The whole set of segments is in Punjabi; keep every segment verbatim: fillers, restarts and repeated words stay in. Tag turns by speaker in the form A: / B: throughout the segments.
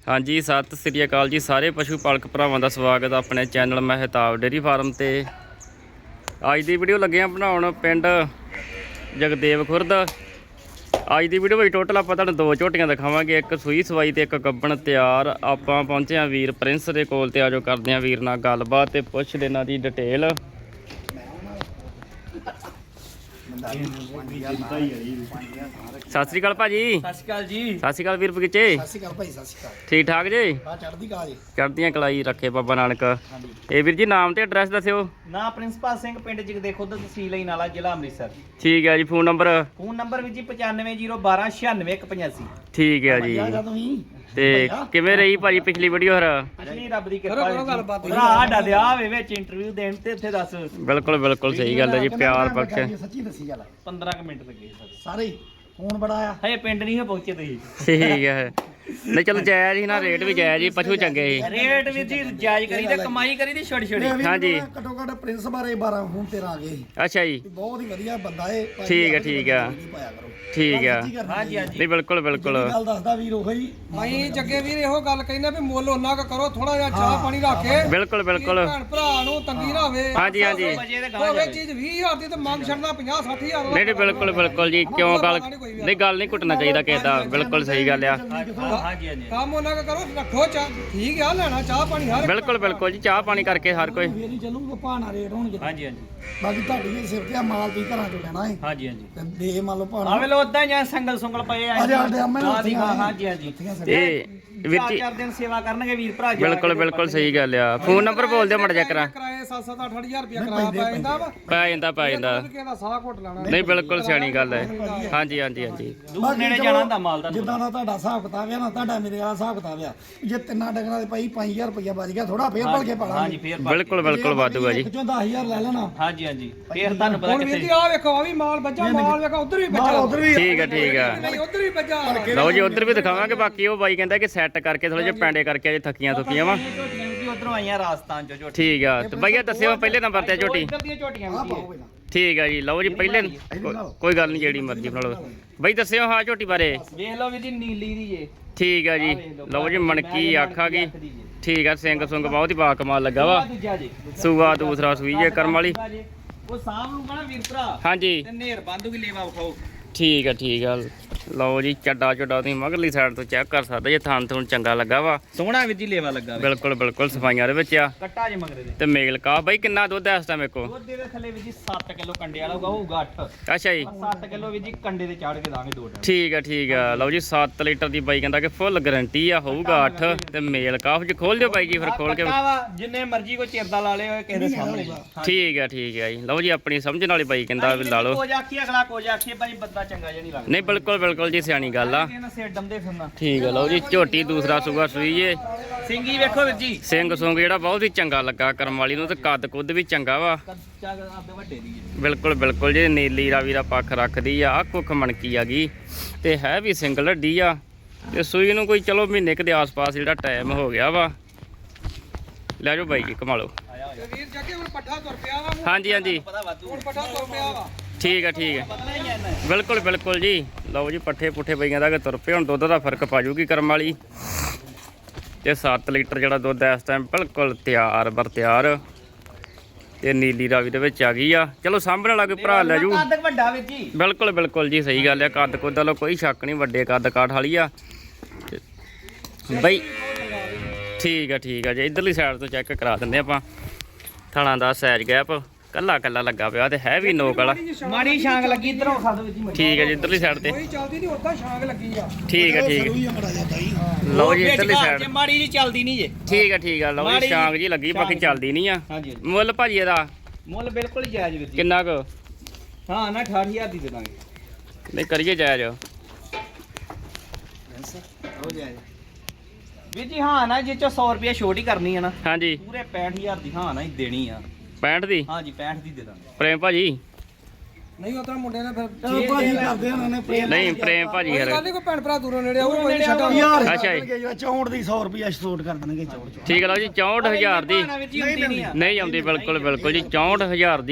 A: हाँ जी सत श्री अकाल जी सारे पशु पालक भरावां दा स्वागत अपने चैनल महताब डेयरी फार्म ते अज दी वीडियो लगे हैं बनाउण पिंड जगदेव खुर्द। अज दी वीडियो टोटल आपां तुहानूं दो झोटियां दिखावांगे, एक सूई सवाई ते एक गब्बण तैयार। आपां पहुंचे हैं वीर प्रिंस दे कोल ते आजो करदे हैं वीर नाल गलबात ते पुछदे इन्हां दी डिटेल। सत श्री अकाल भाजी।
B: सत श्री अकाल जी।
A: सत श्री अकाल वीर बगीचे।
B: सत श्री अकाल भाई, सत श्री अकाल।
A: ठीक ठाक जी?
B: हां चढ़दी कला जी।
A: चढ़दियां कलाई रखे बाबा नानक। ਇਹ ਵੀਰ ਜੀ ਨਾਮ ਤੇ ਐਡਰੈਸ ਦੱਸਿਓ।
B: ਨਾ ਪ੍ਰਿੰਸੀਪਲ ਸਿੰਘ ਪਿੰਡ ਜਗਦੇ ਖੁਦ ਤਹਿਸੀਲ ਇਨਾਲਾ ਜ਼ਿਲ੍ਹਾ ਅੰਮ੍ਰਿਤਸਰ।
A: ਠੀਕ ਹੈ ਜੀ। ਫੋਨ ਨੰਬਰ
B: ਫੋਨ ਨੰਬਰ ਵੀ ਜੀ ਪਚਾਨਵੇਂ ਜ਼ੀਰੋ ਬਾਰਾਂ ਛਿਆਨਵੇਂ ਇੱਕ ਪਚਾਸੀ।
A: ਠੀਕ ਹੈ ਜੀ। ਤੇ ਕਿਵੇਂ ਰਹੀ ਭਾਜੀ ਪਿਛਲੀ ਵੀਡੀਓ? ਹਰ
B: ਪਿਛਲੀ ਰੱਬ ਦੀ ਕਿਰਪਾ ਜੀ। ਭਰਾ ਸਾਡਾ ਦਿਆ ਵੇ ਵਿੱਚ ਇੰਟਰਵਿਊ ਦੇਣ ਤੇ ਇੱਥੇ ਦੱਸ।
A: ਬਿਲਕੁਲ ਬਿਲਕੁਲ ਸਹੀ ਗੱਲ ਹੈ ਜੀ। ਪਿਆਰ ਬਖਸ਼
B: ਸੱਚੀ ਦੱਸੀ ਗੱਲ। ਪੰਦਰਾਂ ਮਿੰਟ ਲੱਗੇ
C: ਸਾਰੇ ਫੋਨ ਬੜਾ ਆ।
B: ਹਏ ਪਿੰਡ ਨਹੀਂ ਪਹੁੰਚੇ ਤੁਸੀਂ।
A: ਠੀਕ ਹੈ। ਨਹੀਂ ਚਲੋ ਜਾਇਜ਼ ਹੀ ਨਾ, ਰੇਟ ਵੀ ਜਾਇਜ਼ ਹੀ, ਪਸ਼ੂ ਚੰਗੇ ਸੀ।
B: ਰੇਟ ਵੀ ਜੀ ਜਾਇਜ਼ ਕਰੀ ਤੇ ਕਮਾਈ ਕਰੀ ਦੀ ਛੋਟੀ ਛੋਟੀ।
A: ਹਾਂਜੀ
C: ਘੱਟੋ ਘੱਟ ਪ੍ਰਿੰਸ ਬਾਰੇ ਬਾਰਾਂ ਫੋਨ ਤੇਰਾ ਆ ਗਏ।
A: ਅੱਛਾ ਜੀ।
C: ਬਹੁਤ ਹੀ ਵਧੀਆ ਬੰਦਾ ਏ।
A: ਠੀਕ ਹੈ ਠੀਕ ਹੈ ਠੀਕ ਹੈ।
B: ਹਾਂਜੀ ਹਾਂਜੀ
A: ਨਹੀਂ ਬਿਲਕੁਲ ਬਿਲਕੁਲ
C: ਗੱਲ ਦੱਸਦਾ ਵੀਰ ਉਹੀ।
D: ਅਸੀਂ ਜੱਗੇ ਵੀਰ ਇਹੋ ਗੱਲ ਕਹਿੰਦੇ ਵੀ ਮੁੱਲ ਉਹਨਾਂ ਕ ਕਰੋ, ਥੋੜਾ ਜਿਹਾ ਚਾਹ ਪਾਣੀ ਰੱਖ ਕੇ।
A: ਬਿਲਕੁਲ ਬਿਲਕੁਲ
D: ਭੈਣ ਭਰਾ ਨੂੰ ਤੰਗੀ ਨਾ ਹੋਵੇ।
A: ਹਾਂਜੀ ਹਾਂਜੀ
D: ਹੋਵੇ ਚੀਜ਼ ਵੀਹ ਹਜ਼ਾਰ ਦੀ ਤੇ ਮੰਗ ਛੱਡਣਾ ਪੰਜਾਹ ਸੱਠ ਹਜ਼ਾਰ।
A: ਨਹੀਂ ਨਹੀਂ ਬਿਲਕੁਲ ਬਿਲਕੁਲ ਜੀ। ਕਿਉਂ ਗੱਲ ਨਹੀਂ, ਗੱਲ ਨਹੀਂ ਘੁੱਟਣਾ ਚਾਹੀਦਾ ਕਿਸੇ ਦਾ। ਬਿਲਕੁਲ ਸਹੀ ਗੱਲ ਆ।
B: ਹਾਂਜੀ ਹਾਂਜੀ
D: ਕੰਮ ਉਹਨਾਂ ਕ ਕਰੋ, ਰੱਖੋ ਚਾਹ। ਠੀਕ ਆ, ਲੈਣਾ ਚਾਹ ਪਾਣੀ ਹਰ
A: ਬਿਲਕੁਲ ਬਿਲਕੁਲ ਜੀ। ਚਾਹ ਪਾਣੀ ਕਰਕੇ ਹਰ ਕੋਈ।
C: ਫੇਰ ਹੀ ਚੱਲੂਗਾ, ਭਾਣਾ ਰੇਟ ਹੋਣਗੇ।
B: ਹਾਂਜੀ ਹਾਂਜੀ
C: ਬਾਕੀ ਤੁਹਾਡੀ ਵੀ ਸਿਰ ਤੇ ਆ, ਮਾਲ ਤੁਸੀਂ ਘਰਾਂ ਚੋਂ ਲੈਣਾ ਏ
B: ਹਾਂਜੀ ਹਾਂਜੀ
C: ਤੇ ਦੇ ਮੰਨ ਲਓ ਭਾਣਾ।
B: ਆਵੇ ਲੋ ਉਦਾਂ ਜਾਂ ਸੰਗਲ ਸੁੰਗਲ ਪਏ ਆ।
C: ਅਜੇ ਸਾਡੇ ਅੰਮ੍ਰਿਤ
B: ਹਾਂਜੀ ਹਾਂਜੀ ਹਾਂਜੀ
A: ਇਹ ਵੀਰ
B: ਚਾਰ
A: ਜੀ
B: ਚਾਰ ਦਿਨ ਸੇਵਾ ਕਰਨਗੇ ਵੀਰ ਭਰਾ ਜੀ।
A: ਬਿਲਕੁਲ ਬਿਲਕੁਲ ਸਹੀ ਗੱਲ ਆ। ਫੋਨ ਨੰਬਰ ਬੋਲ ਦਿਓ ਮੜ ਜਾ ਕਰਾਂ।
D: ਕਿਰਾਏ ਸੱਤ ਸੱਤ ਅੱਠ ਹਜ਼ਾਰ ਰੁਪਇਆ ਕਿਰਾਇਆ ਪੈ ਜਾਂਦਾ ਵਾ।
A: ਪੈ ਜਾਂਦਾ ਪੈ ਜਾਂਦਾ।
D: ਕਿਸੇ ਦਾ ਸਾਹ ਘੁੱਟ ਲੈਣਾ।
A: ਨਹੀਂ ਬਿਲਕੁਲ ਸਿਆਣੀ ਗੱਲ ਹੈ। ਹਾਂਜੀ ਹਾਂਜੀ ਹਾਂਜੀ
B: ਦੂਰ ਨੇੜੇ ਜਾਣਾ ਹੁੰਦਾ ਮਾਲ ਦਾ।
C: ਜਿੱਦਾਂ ਦਾ ਤੁਹਾਡਾ ਹਿਸਾਬ ਕਿਤਾਬ ਆ ਨਾ, ਤੁਹਾਡਾ ਮੇਰੇ ਵਾਲਾ ਹਿਸਾਬ ਕਿਤਾਬ ਆ। ਜੇ ਤਿੰਨਾਂ ਡੰਗਰਾਂ ਦੇ ਭਾਈ ਪੰਜ ਹਜ਼ਾਰ ਰੁਪਇਆ ਬਚ ਗਿਆ, ਥੋੜਾ ਫੇਰ ਭਲ ਕੇ
B: ਹਾਂਜੀ
C: ਪਾਲਾਂਗੇ।
B: ਫੇਰ
A: ਬਿਲਕੁਲ ਬਿਲਕੁਲ ਵਾਧੂ ਆ ਜੀ।
C: ਇੱਕ ਚੋਂ ਦਸ ਹਜ਼ਾਰ ਲੈ ਲੈਣਾ।
B: ਹਾਂਜੀ ਹਾਂਜੀ ਫੇਰ ਤੁਹਾਨੂੰ ਪਤਾ
D: ਹੁਣ ਵੀਰ ਜੀ ਆਹ ਵੇਖੋ, ਆ ਵੀ ਮਾਲ ਬੱਜਾ, ਮਾਲ ਵੇਖੋ ਉਧਰ ਵੀ
C: ਮਾਲ
D: ਬੱਜਾ।
C: ਉਧਰ ਵੀ
A: ਠੀਕ ਹੈ ਠੀਕ ਹੈ।
D: ਨਹੀਂ ਉਧਰ ਵੀ ਬੱਜਾ।
A: ਲਓ ਜੀ ਉਧਰ ਵੀ ਦਿਖਾਵਾਂਗੇ। ਬਾਕੀ ਉਹ ਬਾਈ ਕਹਿੰਦਾ ਕਿ ਸੈੱਟ ਕਰਕੇ ਥੋੜੇ ਜਿਹੇ ਪੈਂਡੇ ਕਰਕੇ ਅਜੇ ਥੱਕੀਆਂ ਥੁੱਕੀਆਂ ਵਾ।
B: ਝੋਟੀਆਂ ਵੀ ਉਧਰੋਂ ਆਈਆਂ ਰਾਜਸਥਾਨ ਚੋਂ ਝੋਟੀਆਂ।
A: ਠੀਕ ਆ। ਤੇ ਬਾਈਆ ਦੱਸਿਓ ਪਹਿਲੇ ਨੰਬਰ ਤੇ ਝੋਟੀ।
B: ਇੱਧਰ ਦੀਆਂ ਝੋਟੀਆਂ
C: ਆ
B: ਵੀ
C: ਪਾਓ ਪਹਿਲਾਂ।
A: ਠੀਕ ਆ ਜੀ। ਲਓ ਜੀ ਪਹਿਲੇ ਕੋ- ਕੋਈ ਗੱਲ ਨਹੀਂ, ਜਿਹੜੀ ਮਰਜ਼ੀ ਬਣਾ ਲਓ। ਬਾਈ ਦੱਸਿਓ ਹਾਂ ਝੋਟੀ ਬਾਰੇ।
B: ਵੇਖ ਲਓ ਵੀ ਜੀ ਨੀਲੀ ਦੀ ਜੇ।
A: ਠੀਕ ਆ ਜੀ। ਲਓ ਜੀ ਮਣਕੀ ਆਖਾ ਗਈ। ਠੀਕ ਆ। ਸਿੰਘ ਸੁੰਗ ਬਹੁਤ ਹੀ ਬਾ ਕਮਾਲ ਲੱਗਾ ਵਾ।
B: ਦੂਜਾ ਜੀ
A: ਸੂਆ ਦੂਸਰਾ ਸੂਈ ਹੈ ਕਰਮ ਵਾਲੀ।
B: ਉਹ ਸਾਹਮ ਨੂੰ ਕਹਣਾ ਵੀਰ ਭਰਾ
A: ਹਾਂਜੀ
B: ਤੇ ਨੇਰ ਬੰਦੂ ਵੀ ਲੇਵਾ ਵਿਖਾਓ।
A: ਠੀਕ ਆ ਠੀਕ ਆ। ਲਓ ਜੀ ਚੱਡਾ ਚੁੱਡਾ ਤੁਸੀਂ ਮਗਰਲੀ ਸਾਈਡ ਤੋਂ ਚੈੱਕ ਕਰ ਸਕਦੇ ਜੇ। ਥਣ ਥੁਣ ਚੰਗਾ ਲੱਗਾ ਵਾ।
B: ਸੋਹਣਾ ਵੀਰ ਜੀ ਲੇਵਾ ਲੱਗਾ ਵੇ।
A: ਬਿਲਕੁਲ ਬਿਲਕੁਲ ਸਫਾਈਆਂ ਦੇ ਵਿੱਚ ਆ।
B: ਕੱਟਾ ਜੇ ਮਗਰੇ ਦੇ
A: ਤੇ ਮੇਲ ਕਾ ਬਾਈ ਕਿੰਨਾ ਦੁੱਧ ਹੈ ਇਸ ਟਾਈਮ ਮੇਕੋ?
B: ਦੁੱਧ ਦੇ ਥੱਲੇ ਵੀਰ ਜੀ ਸੱਤ ਕਿਲੋ ਕੰਡੇ ਵਾਲਾ ਹੋਊਗਾ, ਹੋਊਗਾ ਅੱਠ।
A: ਅੱਛਾ ਜੀ।
B: ਸੱਤ ਕਿਲੋ ਵੀਰ ਜੀ ਕੰਡੇ ਤੇ ਚਾੜ ਕੇ ਦਾਂਗੇ ਦੋ ਟਾਈਮ।
A: ਠੀਕ ਆ ਠੀਕ ਆ। ਲਓ ਜੀ ਸੱਤ ਲੀਟਰ ਦੀ ਬਾਈ ਕਹਿੰਦਾ ਕਿ ਫੁੱਲ ਗਾਰੰਟੀ ਆ। ਹੋਊਗਾ ਅੱਠ ਤੇ ਮੇਲ ਕਾਫ ਜੀ। ਖੋਲ ਦਿਓ ਬਾਈ ਜੀ ਫਿਰ ਖੋਲ ਕੇ।
B: ਕੱਟਾ ਵਾ ਜਿੰਨੇ ਮਰਜ਼ੀ ਕੋਈ ਚਿਰਦਾ ਲਾ ਲੇ ਕਿਸੇ ਦੇ ਸਾਹਮਣੇ।
A: ਠੀਕ ਆ ਠੀਕ ਆ ਜੀ। ਲਓ ਜੀ ਆਪਣੀ ਸਮਝਣ ਵਾਲੀ ਬਾਈ ਕਹਿੰਦਾ ਵੀ ਲਾ ਲਓ।
B: ਕੋਜ ਆਖੀ ਅਗਲਾ ਕੋਜ ਆਖੀ ਭਾਈ ਬੰਦਾ ਚੰਗਾ ਜਿਹਾ ਨਹੀਂ ਲੱਗਦਾ।
A: ਨਹੀਂ ਬਿਲਕੁਲ ਬਿਲਕੁਲ ਜੀ ਸਿਆਣੀ ਗੱਲ ਆ।
B: ਇਹਨਾਂ ਸਿਰ ਡੰਦੇ ਫਿਰਨਾ।
A: ਠੀਕ ਆ। ਲਓ ਜੀ ਝੋਟੀ ਦੂਸਰਾ ਸੂਆ ਸੂਈ ਜੇ।
B: ਸਿੰਗੀ ਵੇਖੋ ਵੀਰ ਜੀ।
A: ਸਿੰਘ ਸੁੰਗ ਜਿਹੜਾ ਬਹੁਤ ਹੀ ਚੰਗਾ ਲੱਗਾ ਕਰਮ ਵਾਲੀ ਨੂੰ। ਤੇ ਕੱਦ ਕੁੱਦ ਵੀ ਚੰਗਾ ਵਾ।
B: ਕੱਚਾ ਆਪਦੇ ਵੱਡੇ ਦੀ ਜੀ।
A: ਬਿਲਕੁਲ ਬਿਲਕੁਲ ਜੀ। ਨੀਲੀ ਰਾਵੀ ਦਾ ਪੱਖ ਰੱਖਦੀ ਆ। ਅੱਖ ਉੱਖ ਮਣਕੀ ਆ ਗਈ ਤੇ ਹੈ ਵੀ ਸਿੰਗਲ ਹੱਡੀ ਆ। ਤੇ ਸੂਈ ਨੂੰ ਕੋਈ ਚਲੋ ਮਹੀਨੇ ਕੁ ਦੇ ਆਸ-ਪਾਸ ਜਿਹੜਾ ਟਾਈਮ ਹੋ ਗਿਆ ਵਾ। ਲੈ ਜਾਓ ਬਾਈ ਜੀ ਕਮਾ ਲਓ।
B: ਆਇਆ
D: ਤੇ ਵੀਰ ਜੱਗੇ ਹੁਣ ਪੱਠਾ ਤੁਰ ਪਿਆ ਵਾ।
A: ਹਾਂਜੀ ਹਾਂਜੀ
B: ਪਤਾ ਵਾਧੂ
D: ਹੁਣ ਪੱਠਾ ਤੁਰ ਪਿਆ ਵਾ।
A: ਠੀਕ ਆ ਠੀਕ ਆ।
B: ਪਤਾ ਹੀ ਐ ਨਾ।
A: ਬਿਲਕੁਲ ਬਿਲਕੁਲ ਜੀ। ਲਓ ਜੀ ਪੱਠੇ ਪੁੱਠੇ ਪਈਆਂ ਦਾ ਕਿ ਤੁਰ ਪਏ। ਹੁਣ ਦੁੱਧ ਦਾ ਫਰਕ ਪਾ ਜੂਗੀ ਕਰਮ ਵਾਲੀ। ਤੇ ਸੱਤ ਲੀਟਰ ਜਿਹੜਾ ਦੁੱਧ ਇਸ ਟਾਈਮ ਬਿਲਕੁਲ ਤਿਆਰ ਬਰ ਤਿਆਰ। ਤੇ ਨੀਲੀ ਰਾਵੀ ਦੇ ਵਿੱਚ ਆ ਗਈ ਆ। ਚਲੋ ਸਾਂਭਣ ਵਾਲਾ ਕੋਈ ਭਰਾ ਲੈ ਜੂ।
B: ਕੱਦ ਵੱਡਾ ਵੀਰ ਜੀ।
A: ਬਿਲਕੁਲ ਬਿਲਕੁਲ ਜੀ ਸਹੀ ਗੱਲ ਆ। ਕੱਦ ਕੁੱਦ ਵਾਲਾ ਕੋਈ ਸ਼ੱਕ ਨਹੀਂ। ਵੱਡੇ ਕੱਦ ਕਾਠ ਵਾਲੀ ਆ ਤੇ ਬਈ। ਠੀਕ ਆ ਠੀਕ ਆ ਜੀ। ਇਧਰਲੀ ਸਾਈਡ ਤੋਂ ਚੈੱਕ ਕਰਾ ਦਿੰਦੇ ਆਪਾਂ। ਥਣਾ ਦਾ ਸਾਈਜ਼ ਗੈਪ ਕੱਲਾ ਕੱਲਾ ਲੱਗਾ ਪਿਆ ਤੇ ਹੈ ਵੀ ਨੋਕ ਵਾਲਾ।
B: ਮਾੜੀ ਛਾਂਗ ਲੱਗੀ ਇਧਰੋਂ ਖਾ ਦੋ ਵੀਰ ਜੀ।
A: ਠੀਕ ਹੈ ਜੀ। ਇਧਰਲੀ ਸਾਈਡ ਤੇ
D: ਕੋਈ ਚੱਲਦੀ ਨਹੀਂ, ਉਦਾਂ ਛਾਂਗ ਲੱਗੀ ਆ।
A: ਠੀਕ ਹੈ ਠੀਕ ਹੈ।
C: ਉਹੀ ਬੜਾ ਜਾਂਦਾ ਜੀ।
A: ਲਓ ਜੀ ਇਧਰਲੀ ਸਾਈਡ।
B: ਜੇ ਮਾੜੀ ਜੀ ਚੱਲਦੀ ਨਹੀਂ ਜੇ।
A: ਠੀਕ ਹੈ ਠੀਕ ਹੈ। ਲਓ ਜੀ
B: ਮਾੜੀ
A: ਸ਼ਾਂਗ ਜੀ ਲੱਗੀ ਬਾਕੀ ਚੱਲਦੀ ਨਹੀਂ ਆ।
B: ਹਾਂਜੀ ਹਾਂਜੀ।
A: ਮੁੱਲ ਭਾਜੀ ਇਹਦਾ
B: ਮੁੱਲ ਬਿਲਕੁਲ ਹੀ ਜਾਇਜ਼ ਵੀਰ ਜੀ।
A: ਕਿੰਨਾ ਕੁ?
B: ਹਾਂ ਨਾ ਅਠਾਹਠ ਹਜ਼ਾਰ ਦੀ ਦੇ ਦਾਂਗੇ।
A: ਨਹੀਂ ਕਰੀਏ ਜਾਇਜ਼।
B: ਹੋ ਜਾਇਜ਼ ਵੀਰ ਜੀ। ਹਾਂ ਨਾ ਜੇ ਚੋ ਸੌ ਰੁਪਏ ਛੋਟ ਹੀ ਕਰਨੀ ਹੈ ਨਾ।
A: ਹਾਂਜੀ
B: ਪੂਰੇ ਪੈਂਹਠ ਹਜ਼ਾਰ ਦੀ ਹਾਂ ਨਾ ਹੀ ਦੇਣੀ ਆ।
A: ਪੈਂਹਠ ਦੀ।
B: ਹਾਂਜੀ ਪੈਂਹਠ ਦੀ ਦੇ ਦਾਂਗੇ।
A: ਪ੍ਰੇਮ ਭਾਜੀ
D: ਨਹੀਂ ਉਤਰਾ ਮੁੰਡੇ ਨੇ ਫਿਰ
C: ਚਲੋ ਭਾਜੀ ਕਰਦੇ ਉਹਨਾਂ ਨੇ ਪ੍ਰੇਮ।
A: ਨਹੀਂ ਪ੍ਰੇਮ ਭਾਜੀ
D: ਕੋਈ
A: ਯਾਰ।
D: ਗੱਲ ਨਹੀਂ, ਕੋਈ ਭੈਣ ਭਰਾ ਦੂਰੋਂ ਨੇੜੇ ਆਊ, ਕੋਈ ਨਹੀਂ ਛੱਡਾਂ।
C: ਯਾਰ
A: ਅੱਛਾ ਜੀ।
C: ਚੌਂਹਠ ਦੀ ਸੌ ਰੁਪਇਆ ਛੋਟ ਕਰ ਦੇਣਗੇ। ਚੌਂਹਠ
A: ਠੀਕ ਹੈ। ਲਓ ਜੀ ਚੌਂਹਠ ਹਜ਼ਾਰ ਦੀ
B: ਵੀਰ ਜੀ ਹੁੰਦੀ ਨਹੀਂ ਆ।
A: ਨਹੀਂ ਆਉਂਦੀ। ਬਿਲਕੁਲ ਬਿਲਕੁਲ ਜੀ। ਚੌਂਹਠ ਹਜ਼ਾਰ ਦੀ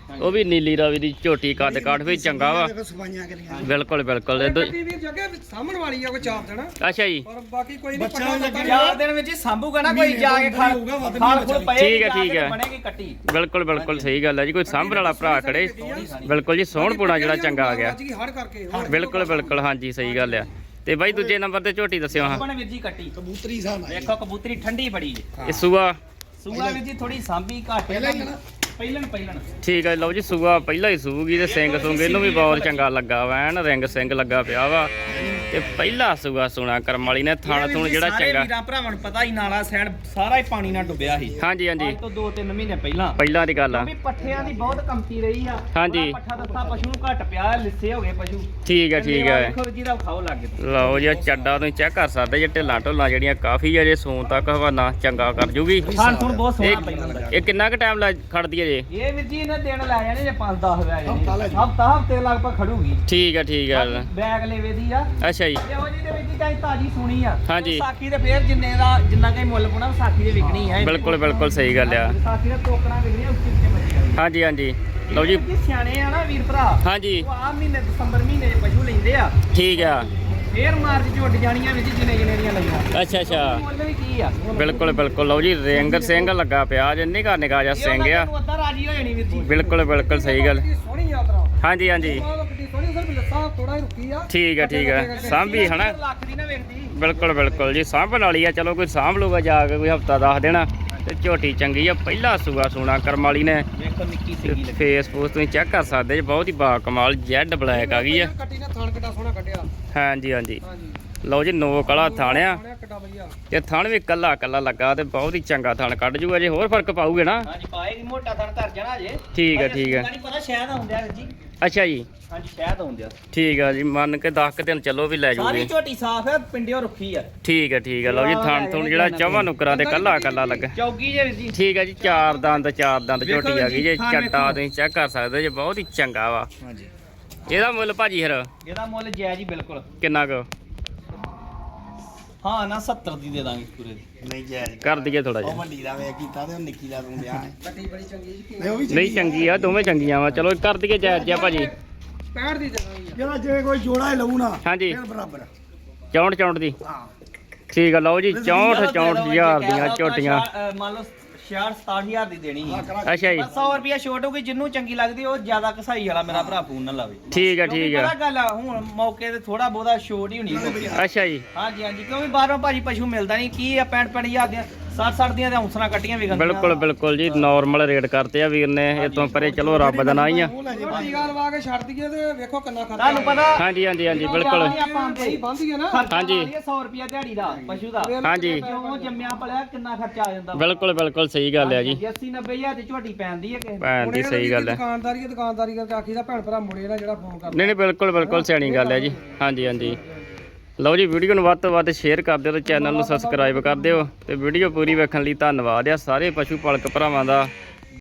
A: ਉਹ ਵੀ ਨੀਲੀ ਰਾਵੀ ਦੀ ਝੋਟੀ ਕੱਦ ਕਾਠ ਵੀ ਚੰਗਾ ਵਾ
C: ਦੇਖੋ ਸਫਾਈਆਂ ਕਰੀਆਂ
A: ਬਿਲਕੁਲ ਬਿਲਕੁਲ ਇਹ ਦੋ-
D: ਕੱਟੀ ਵੀਰ ਜੱਗੇ ਸਾਹਮਣ ਵਾਲੀ ਆ ਕੋਈ ਚਾਰ ਦੇਣਾ
A: ਅੱਛਾ ਜੀ
D: ਪਰ ਬਾਕੀ ਕੋਈ ਨਹੀਂ
C: ਬੱਚਾ
D: ਪੱਕਾ
C: ਵੀ
D: ਲੱਗਾ
B: ਚਾਰ ਦਿਨ ਵਿੱਚ ਹੀ ਸਾਂਭੂਗਾ ਨਾ ਕੋਈ ਜਾ ਕੇ ਖਾਲ
C: ਹੋਊਗਾ, ਵੱਧ ਨਹੀਂ
B: ਖਾਲ ਖੁਲ
C: ਬਚਣੀ।
B: ਪਏਗੀ
A: ਠੀਕ ਹੈ,
B: ਜਾ
A: ਠੀਕ
B: ਕੇ
A: ਹੈ।
B: ਬਣੇਗੀ ਕੱਟੀ
A: ਬਿਲਕੁਲ ਬਿਲਕੁਲ ਸਹੀ ਗੱਲ ਹੈ ਜੀ ਕੋਈ ਸਾਂਭਣ ਵਾਲਾ ਭਰਾ ਖੜੇ ਬਿਲਕੁਲ ਜੀ ਸੋਹਣਪੁਣਾ ਜਿਹੜਾ ਚੰਗਾ ਆ ਗਿਆ
D: ਜੀ ਹੜ ਕਰਕੇ ਹੋਰ
A: ਬਿਲਕੁਲ ਬਿਲਕੁਲ ਹਾਂਜੀ ਸਹੀ ਗੱਲ ਆ ਤੇ ਬਾਈ ਦੂਜੇ ਨੰਬਰ ਤੇ ਝੋਟੀ ਦੱਸਿਓ ਹਾਂ
B: ਬਣ ਵੀਰ ਜੀ ਕੱਟੀ
C: ਕਬੂਤਰੀ ਸਾਹ ਨਾਲ
B: ਵੇਖੋ ਕਬੂਤਰੀ ਠੰਡੀ ਬੜੀ ਜੇ
A: ਇਹ ਸੂਆ
B: ਸੂਆ ਵੀਰ ਜੀ ਥੋੜੀ ਸਾਂਭੀ ਘੱਟ
C: ਪਹਿਲਾਂ ਹੀ ਨਾ
B: ਪਹਿਲਣ ਪਹਿਲਣ
A: ਠੀਕ ਹੈ ਲਓ ਜੀ ਸੂਆ ਪਹਿਲਾਂ ਹੀ ਸੂਗੀ ਤੇ ਸਿੰਘ ਸੁੰਗ ਇਹਨੂੰ ਵੀ ਬਹੁਤ ਚੰਗਾ ਲੱਗਾ ਵਾ ਐਨ ਰਿੰਗ ਸਿੰਘ ਲੱਗਾ ਪਿਆ ਵਾ ਤੇ ਪਹਿਲਾ ਸੂਆ ਸੁਣਾ ਕਰਮ ਵਾਲੀ ਨੇ ਥਣ ਥੁਣ ਜਿਹੜਾ
B: ਸਾਰੇ
A: ਚੰਗਾ
B: ਵੀਰਾਂ ਭਰਾਵਾਂ ਨੂੰ ਪਤਾ ਹੀ ਨਾਲਾ ਸੈਣ ਸਾਰਾ ਹੀ ਪਾਣੀ ਨਾਲ ਡੁੱਬਿਆ ਸੀ
A: ਹਾਂਜੀ ਹਾਂਜੀ
B: ਅੱਜ ਤੋਂ ਦੋ ਤਿੰਨ ਮਹੀਨੇ ਪਹਿਲਾਂ
A: ਪਹਿਲਾਂ ਦੀ ਗੱਲ ਆ
B: ਵੀ ਪੱਠਿਆਂ ਦੀ ਬਹੁਤ ਕਮਤੀ ਰਹੀ ਆ
A: ਹਾਂਜੀ।
B: ਥੋੜ੍ਹਾ ਪੱਠਾ ਦੱਸਾ ਪਸ਼ੂ ਨੂੰ ਘੱਟ ਪਿਆ ਲਿੱਸੇ ਹੋ ਗਏ ਪਸ਼ੂ
A: ਠੀਕ ਹੈ ਠੀਕ ਹੈ
B: ਦੇਖੋ ਜੀ ਦਾ ਖਾਓ ਲੱਗ ਗਏ
A: ਲਓ ਜੀ ਆਹ ਚੱਡਾ ਤੁਸੀਂ ਚੈੱਕ ਕਰ ਸਕਦੇ ਜੇ ਢਿੱਲਾਂ ਢੁੱਲਾਂ ਜਿਹੜੀਆਂ ਕਾਫੀ ਅਜੇ ਸੂਣ ਤੱਕ ਹਵਾਨਾ ਚੰਗਾ ਕਰ ਜੂਗੀ
B: ਖਾਣ ਥੁਣ ਬਹੁਤ ਸੋਹਣਾ
A: ਇਹ
B: ਪਹਿਲਾਂ ਦਾ
A: ਇਹ ਕਿੰਨਾ ਕੁ ਟਾਈਮ ਲੱਗ ਖੜਦੀ ਹੈ ਜੀ
B: ਇਹ ਵੀਰ ਜੀ ਇਹਨਾਂ ਦਿਨ ਲੈ ਜਾਣੇ ਜੇ ਪੰਜ ਦਸ ਵਜੇ
C: ਹਫ਼ਤਾ ਲੈ ਜਾਣੀ।
B: ਹਫਤਾ ਹਫਤੇ ਲਗਭਗ ਖੜੂਗੀ
A: ਠੀਕ ਹੈ ਠੀਕ ਹੈ
B: ਬੈਗ ਲੈਵੇ ਦੀ ਆ
A: ਅੱਛਾ ਜੀ
B: ਇਹੋ ਜੀ ਦੇ ਵਿੱਚ ਚਾਹੀ ਤਾਜੀ ਸੁਣੀ ਆ
A: ਹਾਂਜੀ।
B: ਸਾਖੀ ਦੇ ਫੇਰ ਜਿੰਨੇ ਦਾ ਜਿੰਨਾ ਕਈ ਮੁੱਲ ਪੁਣਾ ਸਾਖੀ ਦੇ ਵਿਕਣੀ ਹੈ
A: ਬਿਲਕੁਲ ਬਿਲਕੁਲ ਸਹੀ ਗੱਲ ਆ
B: ਸਾਖੀ ਦੇ ਟੋਕਰਾਂ ਵਿਕਣੀਆਂ ਉੱਚੇ ਉੱਚੇ ਬੱਚੇ
A: ਹਾਂਜੀ ਹਾਂਜੀ ਲਓ ਜੀ
B: ਜੀ ਸਿਆਣੇ ਆ ਨਾ ਵੀਰ ਭਰਾ
A: ਹਾਂਜੀ
B: ਉਹ ਆ ਮਹੀਨੇ ਦਸੰਬਰ ਮਹੀਨੇ 'ਚ ਪਸ਼ੂ ਲੈਂਦੇ ਆ
A: ਠੀਕ ਆ
B: ਫੇਰ ਮਾਰਚ 'ਚ ਉੱਡ ਜਾਣੀਆਂ ਵਿੱਚ ਜਿੰਨੇ ਜਿੰਨੇ ਦੀਆਂ ਲਈਆਂ
A: ਅੱਛਾ ਅੱਛਾ
B: ਮੁੱਲ ਵੀ ਕੀ ਆ
A: ਬਿਲਕੁਲ ਬਿਲਕੁਲ ਲਓ ਜੀ ਰਿੰਗ ਸਿੰਘ ਲੱਗਾ ਪਿਆ ਜੇ ਨਿਕਾ ਨਿਕਾ ਜਿਹਾ ਸਿੰਘ ਆ
B: ਤੂੰ ਅੱਧਾ ਰਾਜੀ ਹੋ ਜਾਣੀ ਵੀਰ ਜੀ
A: ਬਿਲਕੁਲ ਬਿਲਕੁਲ ਸਹੀ ਗੱਲ
D: ਕਿੱਡੀ ਸੋਹਣੀ ਯਾਤਰਾ
A: ਹਾਂਜੀ ਹਾਂਜੀ
D: ਮਾਲ ਕਿੱਡੀ ਸੋਹਣੀ ਸਰ ਲੱਤਾਂ ਥੋੜਾ ਹੀ ਰੁਕੀ ਆ
A: ਠੀਕ ਹੈ ਠੀਕ ਹੈ ਸਾਂਭੀ ਹਨਾ
B: ਲੱਖ ਦੀ ਨਾ ਵੇਖਦੀ
A: ਬਿਲਕੁਲ ਬਿਲਕੁਲ ਜੀ ਸਾਂਭਣ ਵਾਲੀ ਆ ਚਲੋ ਕੋਈ ਸਾਂਭ ਲੂਗਾ ਜਾ ਕੇ ਕੋਈ ਹਫਤਾ ਦੱਸ ਦੇਣਾ ਤੇ ਝੋਟੀ ਚੰਗੀ ਆ ਪਹਿਲਾ ਸੂਆ ਸੂਣਾ ਕਰਮ ਵਾਲੀ ਨੇ
B: ਵੇਖੋ ਨਿੱਕੀ ਸਿੰਗੀ ਲੱਗੀ
A: ਫੇਸਬੁੱਕ ਤੁਸੀਂ ਚੈੱਕ ਕਰ ਸਕਦੇ ਜੀ ਬਹੁਤ ਹੀ ਬਾ ਕਮਾਲ ਜੈਡ ਬਲੈਕ ਆ ਗਈ ਆ
D: ਕੱਟੀ ਨੇ ਥਾਣ ਕਿੱਡਾ ਸੋਹਣਾ ਕੱਢਿਆ
A: ਹਾਂਜੀ ਹਾਂਜੀ
D: ਹਾਂਜੀ
A: ਲਓ ਜੀ ਨੋ ਕਲਾ ਥਾਣਿਆ
D: ਸੋਹਣਾ ਕਿੱਡਾ ਵਧੀਆ
A: ਤੇ ਥਣ ਵੀ ਕੱਲਾ ਕੱਲਾ ਲੱਗਾ ਤੇ ਬਹੁਤ ਹੀ ਚੰਗਾ ਥਣ ਕੱਢ ਜੂਗਾ ਜੇ ਹੋਰ ਫਰਕ ਪਾਊਗੇ ਨਾ
B: ਹਾਂਜੀ ਪਾਏਗੀ ਮੋਟਾ ਥਣ ਧਰ ਜਾਣਾ ਅਜੇ
A: ਠੀਕ ਹੈ, ਠੀਕ ਹੈ।
B: ਨਹੀਂ ਪਤਾ ਸ਼ਾਇਦ ਆਉਂਦਿਆ ਵੀਰ ਜੀ
A: ਅੱਛਾ ਜੀ
B: ਹਾਂਜੀ ਸ਼ਾਇਦ ਆਉਂਦਿਆ
A: ਠੀਕ ਆ ਜੀ ਮੰਨ ਕੇ ਦਸ ਕੁ ਦਿਨ ਚੱਲੋ ਵੀ ਲੈ
B: ਸਾਰੀ
A: ਜੂਗੀ
B: ਝੋਟੀ ਸਾਫ਼ ਹੈ ਪਿੰਡਿਓ ਰੁੱਖੀ ਆ
A: ਠੀਕ ਹੈ ਠੀਕ ਹੈ ਲਓ ਜੀ ਥਣ ਥੁਣ ਜਿਹੜਾ ਚੌਵਾਂ ਨੁਕਰਾਂ ਤੇ ਕੱਲਾ ਕੱਲਾ ਲੱਗਾ
B: ਚੌਗੀ ਜੇ ਵੀਰ ਜੀ
A: ਠੀਕ ਹੈ ਜੀ ਚਾਰ ਦੰਦ ਚਾਰ ਦੰਦ
B: ਵੇਖੋ
A: ਝੋਟੀ ਆ ਗਈ ਜੇ
B: ਥਣ
A: ਚੱਟਾ
B: ਵੇਖੋ।
A: ਤੁਸੀਂ ਚੈੱਕ ਕਰ ਸਕਦੇ ਜੇ ਬਹੁਤ ਹੀ ਚੰਗਾ ਵਾ
B: ਹਾਂਜੀ
A: ਇਹਦਾ ਮੁੱਲ ਭਾਜੀ ਫਿਰ
B: ਇਹਦਾ ਮੁੱਲ ਜਾਇਜ਼ ਹੀ ਬਿਲਕੁਲ
A: ਕਿੰਨਾ ਕੁ
B: ਹਾਂ ਨਾ ਸੱਤਰ ਦੀ ਦੇ ਦਾਂਗੇ ਪੂਰੇ ਦੀ
C: ਨਹੀਂ ਜਾਇਜ਼
A: ਕਰ ਦਈਏ ਥੋੜਾ
C: ਉਹ
A: ਜਿਹਾ
C: ਵੱਡੀ ਦਾ ਵੇ ਕੀਤਾ ਤੇ ਉਹ ਨਿੱਕੀ ਦਾ ਤੂੰ ਵਿਆਹ ਹੈ
D: ਕੱਟੀ ਬੜੀ ਚੰਗੀ ਜੀ
C: ਨਹੀਂ ਉਹ ਵੀ
A: ਨਹੀਂ ਚੰਗੀ ਆ ਦੋਵੇਂ ਚੰਗੀਆਂ ਵਾ ਚਲੋ ਕਰ ਦਈਏ ਜਾਇਜ਼ ਜਿਹਾ ਭਾਜੀ
D: ਪੈਂਹਠ ਦੀ ਦੇ ਦਾਂਗੇ
C: ਜਿਹੜਾ ਜੇ ਕੋਈ ਜੋੜਾ ਹੀ ਲਊ ਨਾ
A: ਹਾਂਜੀ
C: ਫਿਰ ਬਰਾਬਰ
A: ਚੌਂਹਠ ਚੌਂਹਠ ਦੀ
C: ਹਾਂ
A: ਠੀਕ ਆ ਲਓ ਜੀ ਚੌਂਹਠ ਚੌਂਹਠ ਹਜ਼ਾਰ ਦੀਆਂ ਝੋਟੀਆਂ
B: ਅ, ਮੰਨ ਲਓ ਛਿਆਹਠ ਸਤਾਹਠ ਹਜ਼ਾਰ ਦੀ ਦੇਣੀ ਹੈ
A: ਅੱਛਾ ਜੀ
B: ਸੌ ਰੁਪਿਆ ਛੋਟ ਹੋਊਗੀ ਜਿੰਨੂੰ ਚੰਗੀ ਲੱਗਦੀ ਉਹ ਜ਼ਿਆਦਾ ਕਸਾਈ ਵਾਲਾ ਮੇਰਾ ਭਰਾ ਫੋਨ ਨਾ ਲਾਵੇ
A: ਠੀਕ ਆ
B: ਕਿਉਂਕਿ
A: ਠੀਕ
B: ਪਤਾ
A: ਆ
B: ਗੱਲ ਆ ਹੁਣ ਮੌਕੇ ਤੇ ਥੋੜਾ ਬਹੁਤਾ ਛੋਟ ਹੀ ਹੋਣੀ ਹੈ
A: ਅੱਛਾ ਜੀ
B: ਹਾਂਜੀ ਹਾਂਜੀ ਕਿਉਂਕਿ ਬਾਹਰੋਂ ਭਾਜੀ ਪਸ਼ੂ ਮਿਲਦਾ ਨਹੀਂ ਕੀ ਆ ਪੈਂਹਠ ਪੈਂਹਠ ਹਜ਼ਾਰ ਦੀਆਂ ਸੱਠ ਸੱਠ ਦੀਆਂ ਤੇ ਹੌਂਸਲਾਂ ਕੱਟੀਆਂ ਵੀ ਗੰਦੀਆਂ
A: ਬਿਲਕੁਲ ਬਿਲਕੁਲ ਜੀ ਨਾਰਮਲ ਰੇਟ ਕਰਤੇ ਆ ਵੀਰ ਨੇ ਇਹ ਤੋਂ ਪਰੇ ਚਲੋ ਰੱਬ ਦਾ ਨਾਂ ਹੀ ਆ
C: ਉਹ ਲੈ ਜੇ
D: ਟੀਕਾ ਲਵਾ ਕੇ ਛੱਡ ਦਈਏ ਤੇ ਵੇਖੋ ਕਿੰਨਾ ਖਰਚਾ
B: ਤੁਹਾਨੂੰ ਪਤਾ
A: ਹਾਂਜੀ ਹਾਂਜੀ ਹਾਂਜੀ ਬਿਲਕੁਲ
B: ਆਪਾਂ ਆਂਦੇ
D: ਬੰਦੀ ਹੈ ਨਾ
A: ਹਾਂਜੀ।
B: ਸੌ ਰੁਪਿਆ ਦਿਹਾੜੀ ਦਾ ਪਸ਼ੂ ਦਾ
A: ਹਾਂਜੀ
B: ਕਿਉਂ ਜੰਮਿਆ ਪਲਿਆ ਕਿੰਨਾ ਖਰਚਾ ਆ ਜਾਂਦਾ
A: ਬਿਲਕੁਲ ਬਿਲਕੁਲ ਸਹੀ ਗੱਲ ਆ ਜੀ
B: ਅੱਸੀ ਨੱਬੇ ਹਜ਼ਾਰ ਦੀ ਝੋਟੀ ਪੈਂਦੀ ਹੈ ਕਿਸੇ ਨੂੰ।
A: ਭੈਣ ਦੀ ਸਹੀ ਗੱਲ ਹੈ
D: ਦੁਕਾਨਦਾਰੀ ਹੈ ਦੁਕਾਨਦਾਰੀ ਕਰਕੇ ਆਖੀਦਾ ਭੈਣ ਭਰਾ ਮੁੜੇ ਨਾ ਜਿਹੜਾ ਫੋਨ ਕਰਦਾ
A: ਨਹੀਂ ਨਹੀਂ ਬਿਲਕੁਲ ਬਿਲਕੁਲ ਸਿਆਣੀ ਗੱਲ ਹੈ ਜੀ ਹਾਂਜੀ ਹਾਂਜੀ ਲਓ ਜੀ ਵੀਡੀਓ ਨੂੰ ਵੱਧ ਤੋਂ ਵੱਧ ਸ਼ੇਅਰ ਕਰ ਦਿਓ ਤੇ ਚੈਨਲ ਨੂੰ ਸਬਸਕ੍ਰਾਈਬ ਕਰ ਦਿਓ ਤੇ ਵੀਡੀਓ ਪੂਰੀ ਵੇਖਣ ਲਈ ਧੰਨਵਾਦ ਆ ਸਾਰੇ ਪਸ਼ੂ ਪਾਲਕ ਭਰਾਵਾਂ ਦਾ